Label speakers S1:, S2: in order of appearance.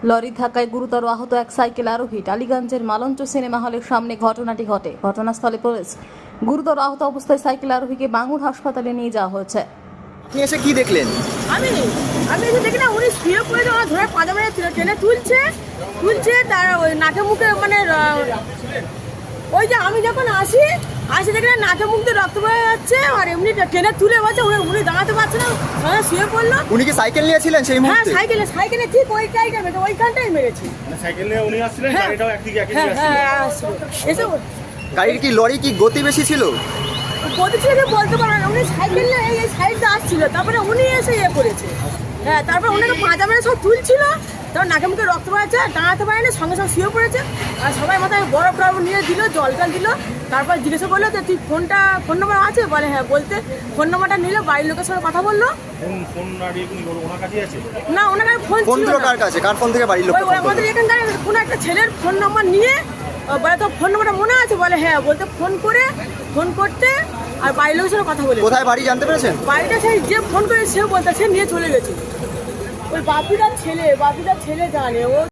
S1: লরির ধাক্কায় গুরুতর আহত এক সাইকেল আরোহী। টালিগঞ্জের মালঞ্চ সিনেমা হলের সামনে ঘটনাটি ঘটে। ঘটনাস্থলে পুলিশ। গুরুতর আহত অবস্থায় সাইকেল আরোহীকে বাঙুর হাসপাতালে নিয়ে যাওয়া হয়েছে।
S2: আপনি এসে কি দেখলেন?
S3: আমি এসে দেখি না উনি শুয়ে পড়ে আমার ধরে পাঁজা মেরে টেনে তুলছে তার ওই নাকে মুখে মানে ওই যে আমি যখন আসি দেখি না নাকে মুখ দিয়ে রক্ত বেরিয়ে যাচ্ছে আর এমনি টেনে তুলে বলছে উনি দাঁড়াতে পারছে না, সবাই শুয়ে পড়লো।
S2: উনি কি সাইকেল নিয়েছিলেন সেই
S3: হ্যাঁ
S2: মুহূর্তে?
S3: সাইকেলে ঠিক ওইখানটাই মেরেছে।
S4: মানে সাইকেল নিয়ে উনি আসছিলেন, গাড়িটাও একদিকে
S3: এসে
S2: গাড়ির কি লরি কি গতি বেশি ছিল?
S3: গতি ছিল কি বলতে পারবেন না, উনি সাইকেল নিয়ে এই সাইডটা আসছিল, তারপরে উনি এসে করেছে। হ্যাঁ, তারপরে ওনাকে পাঁজা মেরে সব তুলছিল, তারপর নাকে মুখে রক্ত বেরোচ্ছে, দাঁড়াতে পারেনি, সঙ্গে সঙ্গে শুয়ে পড়েছে। আর সবাই মাথায় বরফ টরফ নিয়ে দিল, জল টল দিল। তারপর জিজ্ঞাসা করলো যে তুই ফোন নম্বর আছে? বলে হ্যাঁ। বলতে ফোন নম্বরটা নিল, বাড়ির লোকের সঙ্গে কথা বললো।
S4: ফোন ওনার কাছেই আছে
S3: না, ওনার কাছে ফোন
S2: ফোন
S3: ছিল
S2: দিল
S3: না।
S2: কার কাছে? কার ফোন থেকে বাড়ির লোক?
S3: ওই আমাদের এখানকার কোনো একটা ছেলের ফোন নম্বর নিয়ে বলে তো ফোন নম্বরটা মনে আছে? বলে হ্যাঁ। বলতে ফোন করতে আর বাড়ির লোকের সঙ্গে কথা বলে।
S2: কোথায় বাড়ি জানতে পেরেছেন?
S3: বাড়িটা সেই যে ফোন করে সেও বলতে সে নিয়ে চলে গেছে। ওই বাপিটার ছেলে জানে ও।